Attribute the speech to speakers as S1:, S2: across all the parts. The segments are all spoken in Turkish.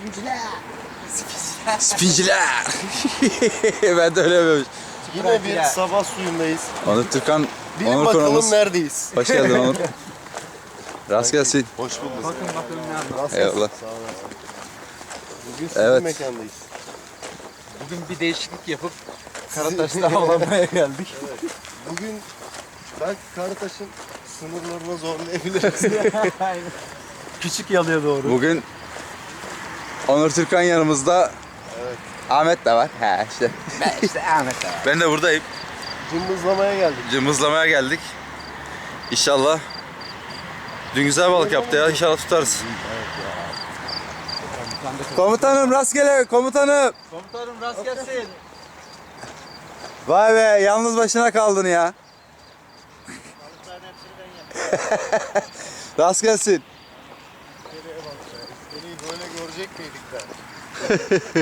S1: Spinciler. Ben de öyle yapıyorum.
S2: Yine bir sabah suyundayız.
S1: Onur Türkan,
S2: Bilin
S1: Onur
S2: bakalım
S1: konumuz.
S2: neredeyiz?
S1: Hoş geldin Onur. Rast gelsin.
S2: Hoş bulduk.
S3: Bakın ne
S1: Eyvallah.
S2: Sağ olasın. Bugün sizin
S1: Evet.
S2: mekandayız.
S3: Bugün bir değişiklik yapıp Karataş'ta avlanmaya geldik.
S2: Evet. Bugün belki Karataş'ın sınırlarına zorlayabiliriz.
S3: Küçük yalıya doğru.
S1: Bugün Onur Türkan yanımızda.
S2: Evet.
S1: Ahmet de var. He işte.
S3: İşte Ahmet abi.
S1: Ben de buradayım.
S2: Cımbızlamaya geldik.
S1: Cımbızlamaya geldik. İnşallah. Dün güzel balık yaptı ya. İnşallah tutarız. Komutanım rastgele komutanım.
S3: Komutanım rast gelsin.
S1: Vay be yalnız başına kaldın ya. Rast gelsin.
S2: Seni böyle görecek miydik ben?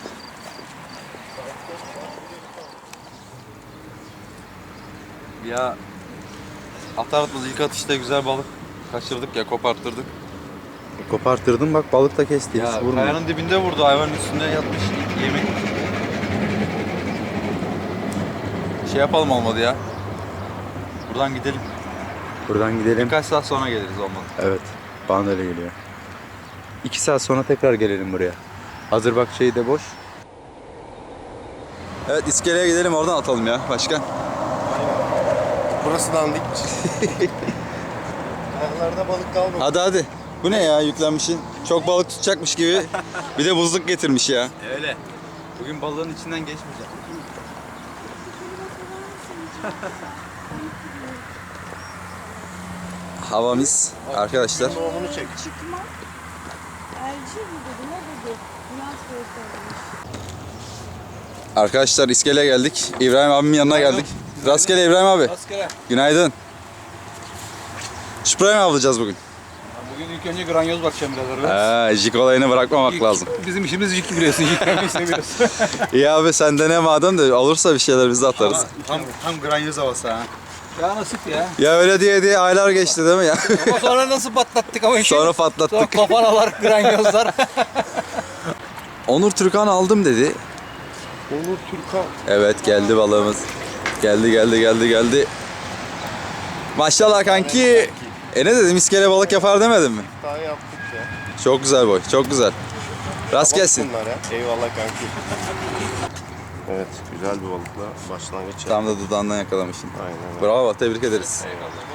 S1: Ya atar atmaz ilk atışta güzel balık kaçırdık ya koparttırdık.
S4: Kopartırdım bak balık da kesti.
S1: Ya
S4: hiç vurmuyor.
S1: kayanın dibinde vurdu hayvanın üstünde yatmış yemek. Şey yapalım olmadı ya. Buradan gidelim.
S4: Buradan gidelim.
S1: Birkaç saat sonra geliriz olmadı.
S4: Evet. Bana da öyle geliyor. 2 saat sonra tekrar gelelim buraya. Hazır bak şey de boş.
S1: Evet iskeleye gidelim oradan atalım ya başkan.
S2: Burası dandik. Ayaklarda balık kalmadı.
S1: Hadi hadi. Bu ne ya yüklenmişin? Çok balık tutacakmış gibi. Bir de buzluk getirmiş ya.
S4: Öyle. Bugün balığın içinden geçmeyeceğim.
S1: Hava mis arkadaşlar.
S2: Doğumunu çek.
S5: Çıkma. Elci mi dedi? Ne dedi? Bülent Bey söylemiş.
S1: Arkadaşlar iskeleye geldik. İbrahim abimin yanına geldik. Rastgele İbrahim abi.
S3: Rastgele.
S1: Günaydın. Şüpre mi avlayacağız bugün?
S3: Bugün ilk önce granyoz bakacağım biraz.
S1: Jig olayını bırakmamak lazım.
S3: Bizim işimiz jig biliyorsun. Jiglemeyi seviyoruz.
S1: İyi abi sen de ne madem de olursa bir şeyler biz de atarız.
S4: Tam granyoz havası ha.
S3: Ya nasip ya.
S1: Ya öyle diye aylar geçti değil mi ya?
S3: Ama sonra nasıl patlattık ama işi.
S1: Sonra patlattık.
S3: Sonra kafanalar, granyozlar.
S1: Onur Türkan aldım dedi.
S2: Onur Türkan.
S1: Evet geldi balığımız. Geldi. Maşallah kanki. Ne dedim iskele balık yapar demedim mi?
S2: Daha yaptık ya.
S1: Çok güzel boy çok güzel. Rast gelsin.
S2: Bunlar ya. Eyvallah kanki. Evet, güzel bir balıkla başlangıç yaptık.
S1: Tam da dudağından yakalamışsın.
S2: Aynen öyle.
S1: Bravo tebrik ederiz.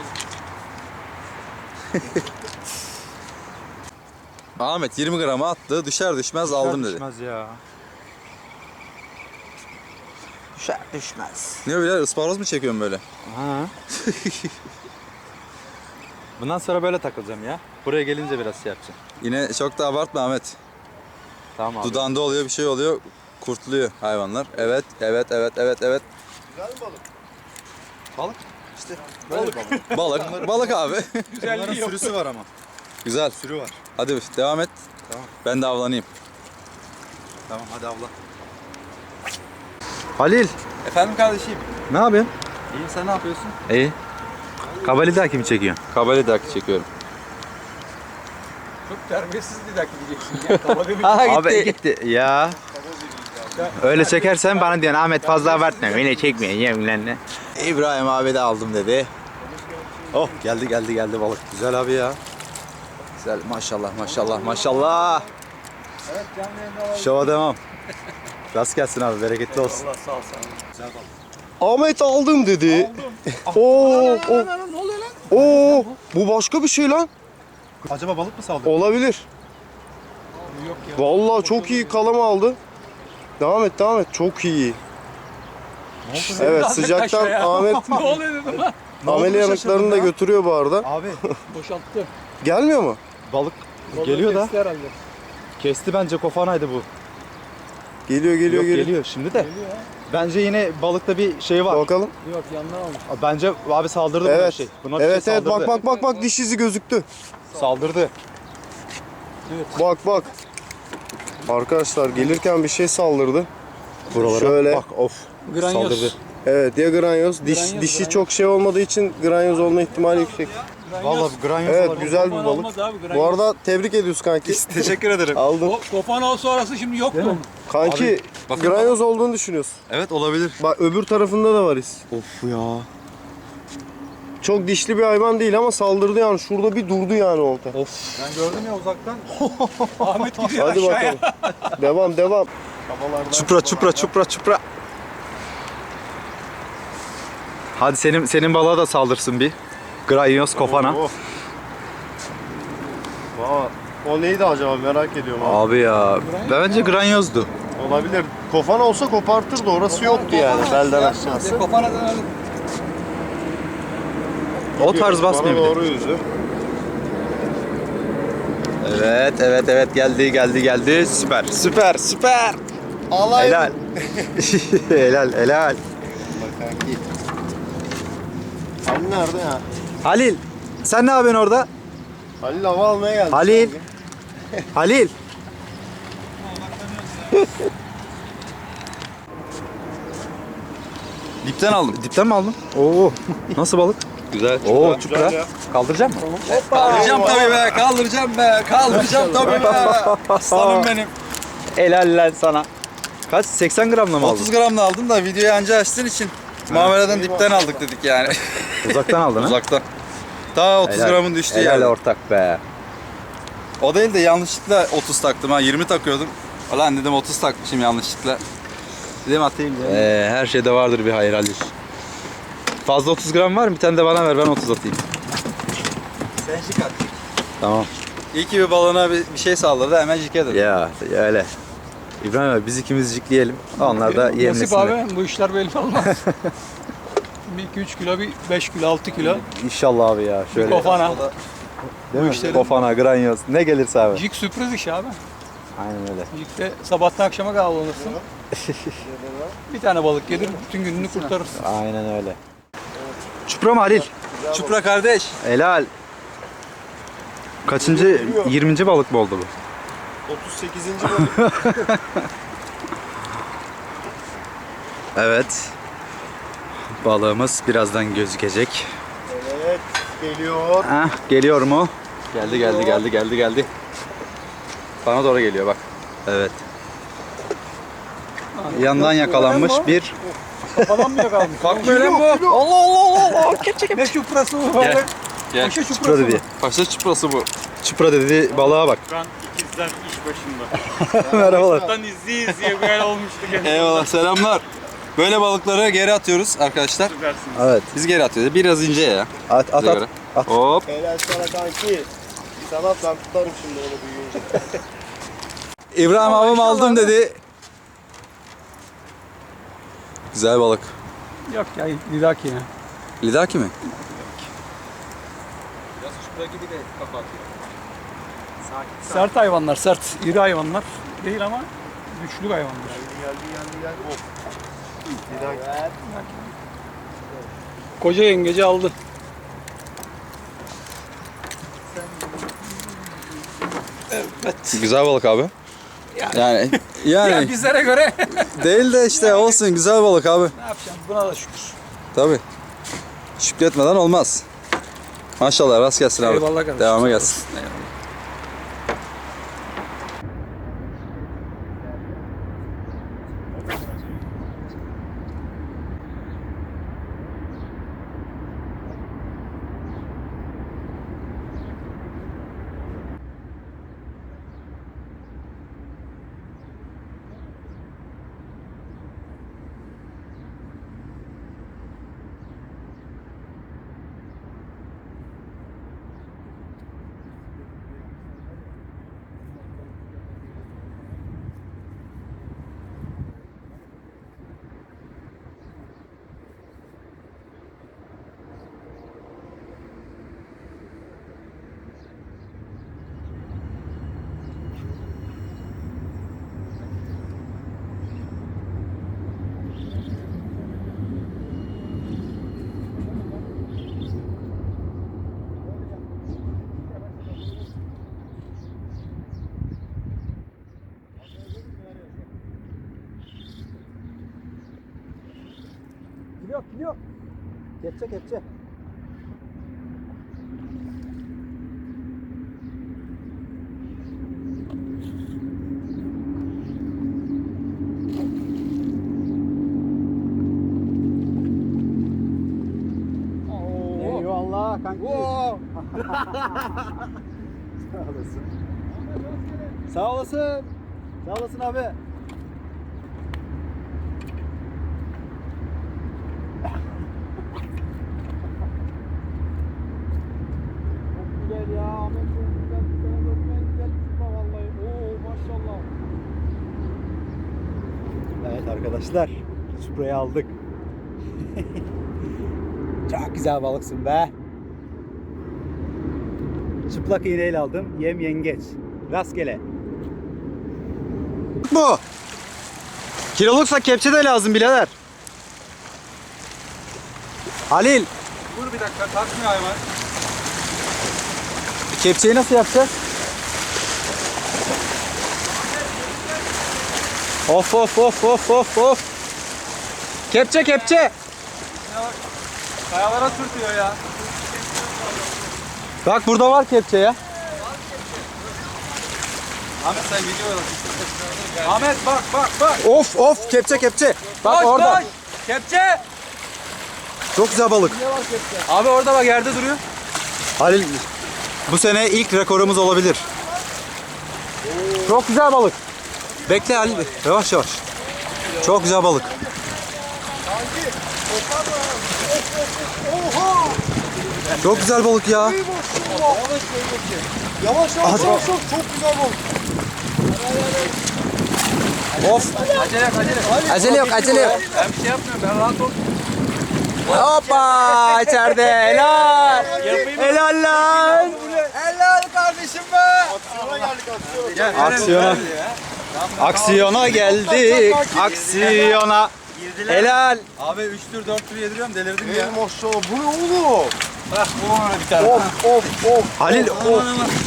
S1: Ahmet 20 grama attı düşer düşmez aldım dedi.
S4: Düşmez ya.
S3: Düşer düşmez.
S1: Ne öyle ısparoz mu çekiyorsun böyle?
S4: Ha. Bundan sonra böyle takılacağım ya. Buraya gelince biraz şey yapacağım.
S1: Yine çok da abartma Ahmet.
S4: Tamam abi.
S1: Dudağında oluyor bir şey oluyor. Kurtuluyor hayvanlar. Evet.
S2: Güzel mi balık?
S4: Balık.
S2: İşte böyle balık.
S1: Balık abi.
S4: Bunların sürüsü var ama.
S1: Güzel.
S4: Sürü var.
S1: Hadi devam et.
S4: Tamam.
S1: Ben de avlanayım.
S4: Tamam hadi avla. Halil.
S1: Efendim kardeşim.
S4: Ne yapıyorsun?
S1: İyiyim sen ne yapıyorsun?
S4: İyi. Kabalida kimi çekiyorsun?
S1: Kabali dakika çekiyorum.
S3: Çok terbiyesiz bir dakika diyeceksin ya. Kalabalık bir
S4: Abi gitti ya. Öyle çekersen bana diyorsun Ahmet fazla abartma. Beni çekmiyor yemlen ne?
S1: İbrahim abi de aldım dedi. Oh geldi balık. Güzel abi ya. Güzel maşallah. Şova devam. Rast gelsin abi bereketli olsun.
S3: Allah sağ ol sana.
S2: Ahmet aldım dedi. Oo, Oo, bu başka bir şey lan.
S4: Acaba balık mı saldırdı?
S2: Olabilir.
S3: Yok ya.
S2: Vallahi çok iyi kalama aldı. Devam et. Çok iyi. Evet, sıcaktan Ahmet
S3: Ne oluyor dedim lan.
S2: amele yanıklarını da götürüyor bu arada.
S4: Abi
S3: Boşalttı.
S2: Gelmiyor mu?
S4: balık geliyor da.
S3: Kesti herhalde.
S4: Kesti bence kofanaydı bu.
S2: Geliyor.
S4: Yok, geliyor şimdi de.
S3: Geliyor ya.
S4: Bence yine balıkta bir şey var.
S2: Bakalım.
S3: Yok yandan almış.
S4: Bence abi saldırdı buna bir
S2: Evet.
S4: şey. Buna bir
S2: Evet
S4: şey saldırdı.
S2: bak diş izi gözüktü.
S4: Saldırdı.
S2: Bak. Arkadaşlar gelirken bir şey saldırdı.
S4: Buralara
S2: Şöyle.
S4: bak of.
S3: Granyoz.
S4: Saldırdı.
S2: Evet ya granyoz.
S3: Granyoz.
S2: Dişi çok şey olmadığı için granyoz olma ihtimali yüksek.
S4: Vallahi granyoz
S2: Evet
S4: olabilir.
S2: güzel bir
S3: Kofan
S2: balık.
S3: olmaz abi,
S2: Bu arada tebrik ediyoruz kanki.
S4: Teşekkür ederim.
S2: Aldın.
S3: Kofan olsa orası şimdi yoktu mu?
S2: Kanki
S1: bakın
S2: granyoz olduğunu düşünüyorsun.
S1: Evet olabilir.
S2: Bak öbür tarafında da var iz.
S1: Of ya.
S2: Çok dişli bir hayvan değil ama saldırdı yani. Şurada bir durdu yani olta.
S3: Ben gördüm ya uzaktan. Ahmet gidiyor
S2: Hadi
S3: aşağıya.
S2: bakalım. Devam devam.
S4: Çupra. Hadi senin balığa da saldırsın bir. Granyoz kofana.
S2: Oh. Valla o neydi acaba merak ediyorum abi.
S4: Abi ya bence granyozdu.
S2: Olabilir. Kofan olsa kopartırdı. Orası yoktu yani belden aşağısı.
S3: Kofana dönelim.
S4: O tarz
S2: Bana
S4: basmıyor bir de.
S2: doğru yüzü.
S4: Evet geldi. Süper.
S2: Alay.
S4: Helal. helal.
S2: Bak kanki. Halil nerede ya?
S4: Halil sen ne yapıyorsun orada?
S2: Halil hava almaya geldi.
S4: Halil. Halil.
S1: Dipten aldım.
S4: Dipten mi aldın? Oo. Nasıl balık?
S1: Güzel.
S4: Oo
S2: Güzel
S4: çupra.
S2: ya.
S4: Kaldıracak mı?
S1: Kaldıracağım tabii be. Kaldıracağım tabii be. Aslanım benim.
S4: Helal lan sana. Kaç? 80 gramla mı aldın?
S1: 30 gramla aldım da videoyu anca açtığın için. Muameleden dipten aldık dedik yani.
S4: Uzaktan aldın ha?
S1: Uzaktan. Ta 30
S4: Helal.
S1: gramın düştüğü
S4: Helal
S1: yerde.
S4: ortak be.
S1: O değil de yanlışlıkla 30 taktım ha. 20 takıyordum. Ulan dedim 30 takmışım yanlışlıkla. Dedim atayım dedim.
S4: Her şeyde vardır bir hayır Halil. Fazla 30 gram var mı? Bir tane de bana ver ben 30 atayım.
S1: Sen şık at.
S4: Tamam.
S1: İyi ki bir balona bir şey saldırdı hemen jike dedim.
S4: Ya öyle. İbrahim abi biz ikimiz jikleyelim. Onlar da
S3: Nasip
S4: yemlesinler.
S3: abi bu işler belli olmaz. bir 2-3 kilo, bir 5 kilo, 6 kilo.
S4: İnşallah abi ya.
S3: Bir
S4: Şöyle.
S3: kofana.
S4: Değil mi?
S3: işlerin-
S4: Kofana, granyoz. Ne gelirse abi.
S3: Jig sürpriz iş abi.
S4: Aynen öyle.
S3: Jig'de sabahtan akşama kavlanırsın. Bir tane balık gelir, bütün gününü kurtarırsın.
S4: Aynen öyle. Çupra mı Halil?
S1: Çupra kardeş.
S4: Helal. Kaçıncı? 20. balık mı oldu bu?
S2: 38. balık.
S4: Evet. Balığımız birazdan gözükecek.
S2: Evet geliyor.
S4: Geliyor mu?
S1: Geldi. Bana doğru geliyor bak.
S4: Evet. Yandan yakalanmış bir
S3: Kafadan mı yakalamış?
S1: Kalkmıyor lan bu. Allah.
S3: Ne çuprası bu balık?
S1: Gel.
S3: Paşa
S4: çupra
S3: çuprası
S4: dedi.
S3: mı?
S1: Paşa çuprası bu.
S4: Çupra dedi balığa bak.
S6: Ben ikizler iş başında.
S4: Merhabalar.
S6: Buradan izleye böyle olmuştuk.
S1: Eyvallah selamlar. Böyle balıkları geri atıyoruz arkadaşlar.
S6: Süpersiniz.
S4: Evet.
S1: Biz geri atıyoruz. Biraz ince ya.
S4: At.
S1: Bize göre. Hop.
S2: Helal sana kanki. Sana ben tutarım şimdi onu büyüyünce.
S1: İbrahim abim aldım dedi. Güzel balık.
S3: Yok ya, lidaki ya.
S1: Lidaki mi?
S3: Sert hayvanlar, sert. İri hayvanlar. Değil ama güçlü hayvanlar.
S2: Gel. Of. Bir dakika.
S3: Koca yengeci aldı.
S1: Güzel balık abi. Yani
S3: Ya bizlere göre
S1: değil de işte olsun güzel balık abi.
S3: ne yapacağım? Buna da şükür.
S1: Tabii. Şükretmeden olmaz. Maşallah rast gelsin abi.
S3: Eyvallah kardeşim.
S1: Devamı gelsin.
S3: Eyvallah.
S4: Kepçe.
S3: Sağ olasın. Sağ olasın abi. Çok güzel ya. Ahmet çok güzel. Sana görmeyen güzel tutma vallahi. Oo maşallah. Evet arkadaşlar. Spreyi aldık. Çok güzel balıksın be. Çıplak iğneyle aldım. Yem yengeç. Rastgele.
S1: Bu. Kiloluksa kepçe de lazım birader. Halil.
S3: Dur bir dakika takmıyor hayvan.
S1: Kepçeyi nasıl yapacağız? Of of of of of of. Kepçe kepçe.
S3: Kayalara sürtüyor ya.
S1: Bak burada var kepçe ya.
S3: Ahmet sen video Ahmet bak bak bak.
S1: Of of kepçe kepçe. Bak
S3: Koş,
S1: orada.
S3: koş. Kepçe.
S1: Çok güzel balık.
S3: Abi orada bak yerde duruyor.
S1: Halil bu sene ilk rekorumuz olabilir. Çok güzel balık. Bekle Halil. Yavaş yavaş. Çok güzel balık. Çok güzel balık ya.
S2: Yavaş yavaş yavaş çok güzel balık.
S1: Of.
S3: Acele yok acele yok.
S1: Acele yok acele yok.
S3: Ben bir şey yapmıyorum ben rahat ol.
S1: Hoppa içeride helal. Helal lan.
S3: Helal kardeşim be.
S2: Aksiyona geldik
S1: Aksiyona
S2: aksiyona.
S1: geldik. Aksiyona. Helal.
S3: Abi 3 tür 4 tür yediriyorum delirdim ya.
S2: Ey maşallah bu ne oğlum?
S3: Bak bu ona bir tane.
S2: Of of of.
S1: Halil o.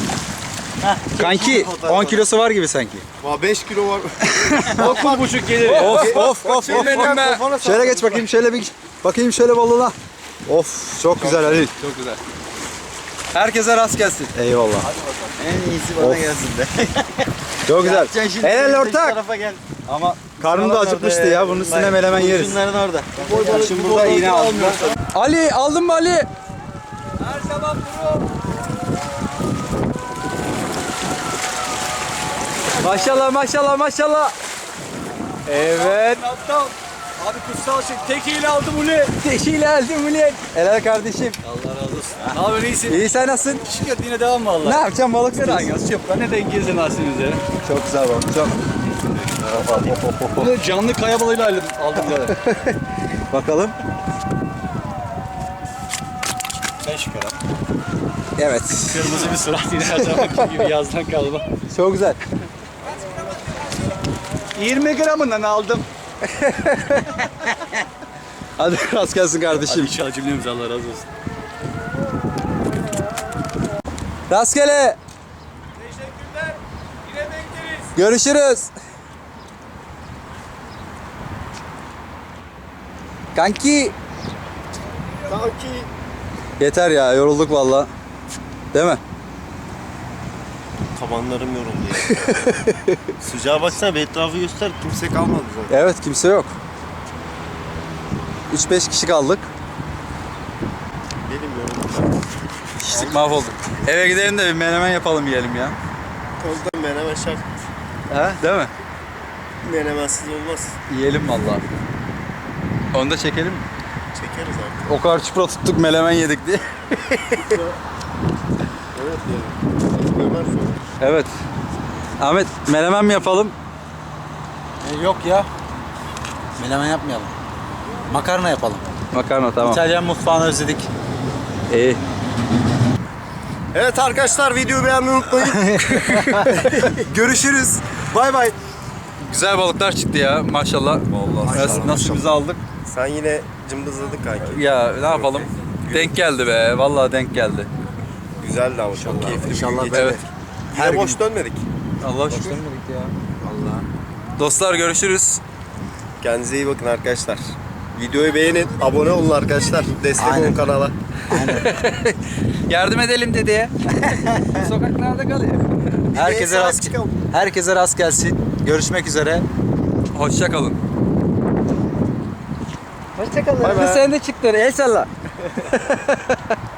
S1: Kanki 10 kilosu var gibi sanki.
S2: 5 kilo var.
S3: 9,5 gelir.
S1: Of of of of. Şöyle geç bakayım şöyle bir bakayım şöyle balığına. Of çok güzel Halil.
S3: Çok güzel. Herkese rast gelsin.
S1: Eyvallah.
S6: En iyisi bana gelsin de.
S1: Çok güzel. Helal ortak.
S6: Tarafa gel.
S3: Ama
S1: Karnım da acıkmıştı ya. Bunun üstüne menemen yeriz.
S6: Şunların orada.
S3: şimdi burada iğne aldım.
S1: Ali aldın mı Ali?
S3: Her zaman duruyor.
S1: Maşallah maşallah maşallah. Evet.
S3: Aptal. Abi kutsal şey. Tekiyle aldım uli.
S1: Teşekkür ederim Ulen. Helal kardeşim.
S3: Allah razı olsun. Ne haber iyisin?
S1: İyi sen nasılsın?
S3: Şükür yine devam mı Allah?
S1: Ne yapacağım balık
S3: Ne
S1: tutuyorsun?
S3: rangası yok. Ben ne denk gezin aslında.
S1: Çok güzel balık. Çok.
S3: Bunu canlı kaya balığıyla aldım zaten.
S1: Bakalım.
S3: 5 kere.
S1: Evet.
S3: Kırmızı bir surat yine her zamanki gibi yazdan kalma.
S1: Çok güzel.
S3: 20 gramından aldım.
S1: Hadi rast gelsin kardeşim.
S3: İnşallah cümlemiz Allah razı olsun.
S1: Rastgele.
S3: Teşekkürler. Yine bekleriz.
S1: Görüşürüz. Kanki.
S2: Sanki
S1: Yeter ya yorulduk valla. Değil mi?
S2: tabanlarım yoruldu ya. Sıcağa baksana bir etrafı göster. Kimse kalmadı zaten.
S1: Evet kimse yok. 3-5 kişi kaldık.
S2: Benim yoruldum.
S1: Kişilik mahvolduk. Eve gidelim de bir menemen yapalım yiyelim ya.
S2: Kozda menemen şart.
S1: He? Değil mi?
S2: Menemensiz olmaz.
S1: Yiyelim valla. Onu da çekelim mi?
S2: Çekeriz artık.
S1: O kadar çupra tuttuk menemen yedik diye.
S2: Evet yani. Ömer sonra.
S1: Evet. Ahmet menemen mi yapalım?
S7: Yok ya. Menemen yapmayalım. Makarna yapalım.
S1: Makarna tamam.
S7: İtalyan mutfağını özledik.
S1: İyi.
S2: Evet arkadaşlar videoyu beğenmeyi unutmayın. Görüşürüz. Bay bay.
S1: Güzel balıklar çıktı ya maşallah. Vallahi nasibimizi aldık.
S2: Sen yine cımbızladın kanki.
S1: Ya ne yapalım? Denk geldi be. Vallahi denk geldi.
S2: Güzeldi ama çok keyifli.
S7: İnşallah
S2: bir
S7: böyle.
S1: Evet.
S2: Yine boş dönmedik.
S1: Allah şükür. Dostlar görüşürüz.
S2: Kendinize iyi bakın arkadaşlar. Videoyu beğenin, abone olun arkadaşlar. Destek olun kanala.
S1: Yardım edelim dedeye. Sokaklarda kalıyor.
S7: Herkese rast gelsin. Görüşmek üzere.
S1: Hoşça kalın.
S7: Hoşçakalın.
S1: Sen de çıktın. El salla.